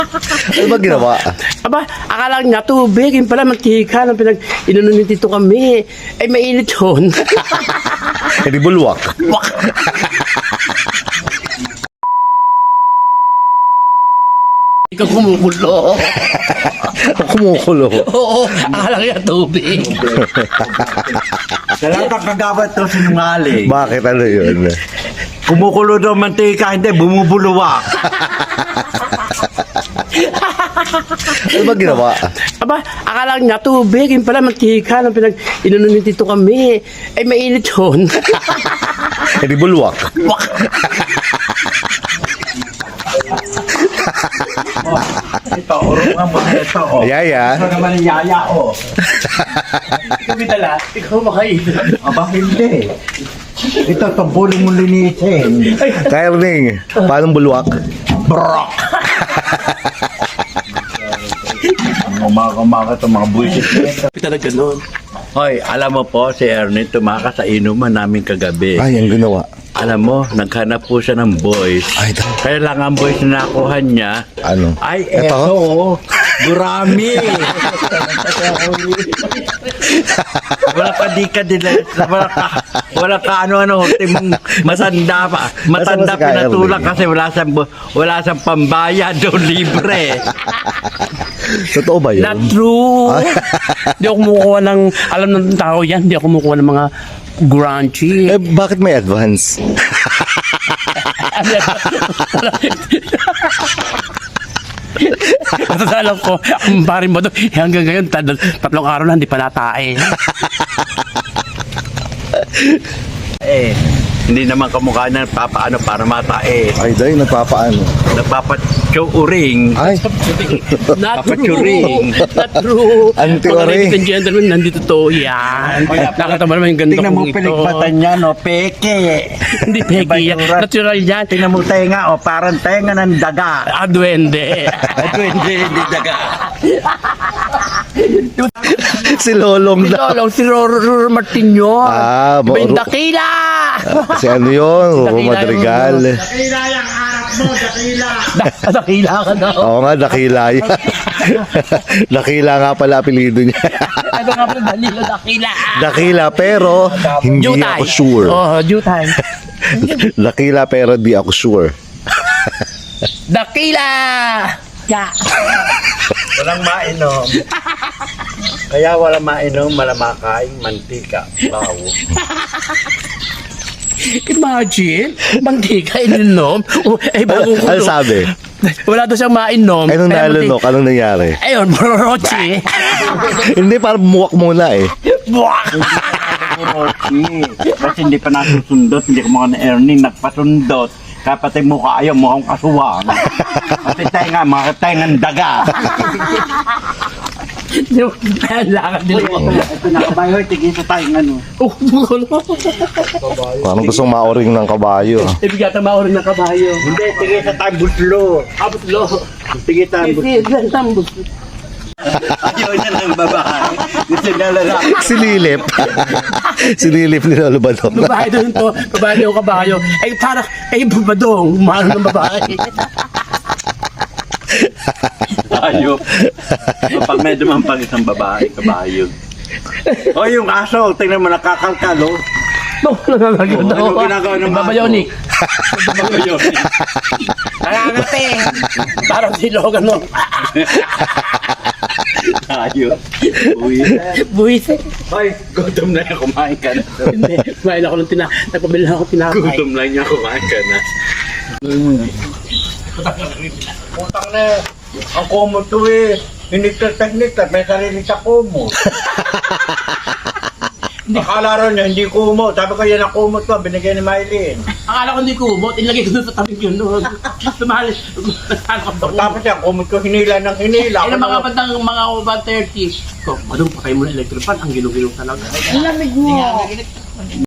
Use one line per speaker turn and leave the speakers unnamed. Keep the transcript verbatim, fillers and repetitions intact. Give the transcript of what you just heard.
Ano ba ginawa?
Aba, akala niya tubig, yung pala mantika ng pinag inunon ni Tito kami. Ay, mainit yun.
Hindi bulwak.
Wak! Ikaw kumukulo.
Kumukulo.
Oo, akala niya tubig.
Salamat kagabat to sinungaling.
Bakit ano yun?
Kumukulo daw mantika, hindi, bumubuluwak.
Ano ba ginawa?
Aba, akala niya tubig, yung pala mantika ng pinag inunon ni Tito kami. Ay, mainit yun.
Hindi bulwak.
Wak!
Ito, urungan mo na ito, oh.
Yaya.
Ito naman yung yaya, oh.
Kami dala, ikaw makainin.
Aba, hindi. Ito, tumbulin mo linisin.
Kairing, paano bulwak?
Brok! Umaga-umaga ito, mga buwisit na ito.
Talaga nun.
Hoy, alam mo po, si Ernie tumakas sa inuman namin kagabi.
Ay, ang ginawa.
Alam mo, naghanap po siya ng boys.
Ay, ito.
Kaya lang ang boys na nakuha niya,
Ano?
ay,
Ito?
eto, oh, gurami. Wala ka di ka dila, wala ka, wala ka ano-ano, timong matanda pa. Matanda
Nasaan ba si Kyle?
pinatulak kasi wala siyang, bu- wala siyang pambayad o libre.
Totoo ba yun?
Not true. Hindi ako kumukuha ng, alam ng tao yan, hindi ako kumukuha ng mga grungy.
Eh, bakit may advance?
At alam ko, ang pare mo doon, eh, hanggang ngayon, tad- tatlong araw na, hindi pa natae.
Eh, hindi naman kamukha na papaano para matae.
Ay, dahil nagpapaano.
Nagpapachuring.
Ay,
Not true.
Papachuring.
Not true.
Anti-ore.
Mga ladies and gentlemen, nandito to. Yan. Nakita mo naman yung ganda
Tingnan mo
kong ito.
piligpatan niya, no? Peke.
Hindi peki yan. Natural yan.
Tingnan mo tenga, o parang tenga ng daga.
Ah, duwende.
Ito hindi, hindi daga.
si Lolong
Si
daw.
Lolong, si Roro Martin yun.
Ah,
Iba yung
Ro-
dakila.
Si ano yun?
Si
Roro
Dakila
Madrigal.
Da- dakila ka daw.
Oo nga, dakila yan. Dakila nga pala apelido niya.
Ano nga pala, Danilo Dakila.
Dakila pero hindi
Jutay.
ako sure.
Oh, Jutay.
Dakila pero di ako sure.
Dakila! Ya.
Walang mainom. Kaya walang mainom, malamakain, mantika, bawo.
Imagine, mantika ininom. Oh, eh, bagong
Ano
kulo.
sabi?
Wala daw siyang mainom.
Anong
Kaya
nalunok? Anong nangyari?
mantika- Ayun, brochi.
Hindi, parang muwak muna eh.
Buwak!
Kasi hindi pa nasusundot, hindi ko mga na-earning, nagpasundot. Kapatid mo ka ayaw, mukhang kasuwang. Kasi tenga, mga tengang daga.
Lakad nila.
Ito na kabayo, tigil sa tayong ano.
Oh, bukulo.
Parang gustong maoring ng kabayo.
Ibig yata maurin ng kabayo.
Hindi, tigil sa tayong buslo.
Abot lo.
Tigil sa tayong buslo.
Hindi, tambos.
Ayaw niya ng babae. Gusto niya lalaki.
Sililip. Sililip ni Lolo Badong.
Babae doon to. Babae daw kabayo. Ay, para, ay, babadong. Mahal ng babae.
Ayaw. Pag may dumampag isang babae, kabayo. O yung aso, tingnan mo, nakakalkal, oh.
No, nagagagod
Oh,
ako.
ano ginagawa ng baso?
Babayonik.
Babayonik.
Nangangating. Parang si Logan, no?
Ayaw. Uwi.
Buwisit.
Hoy, gutom na yan, kumain ka na.
Hindi, kumain ako ng tina... Nagpabili ako tinapay.
Gutom lang niya, kumain ka na. Putang na, ang kumot to eh. Hindi ka technique, may sarili sa kumot. Akala rin niya, hindi kumot. Sabi ko yan ang kumot ko, binigyan ni Mylene.
Akala ko hindi kumot, ilagay ko doon sa tabing yun noon. Tumahal, nagtanong ako.
Tapos yan, kumot ko hinila ng hinila.
Ay, ng mga bandang mga one thirty. Ko, madung pa kayo muna electric fan, ang gilong-gilong talaga.
Ang lamig mo.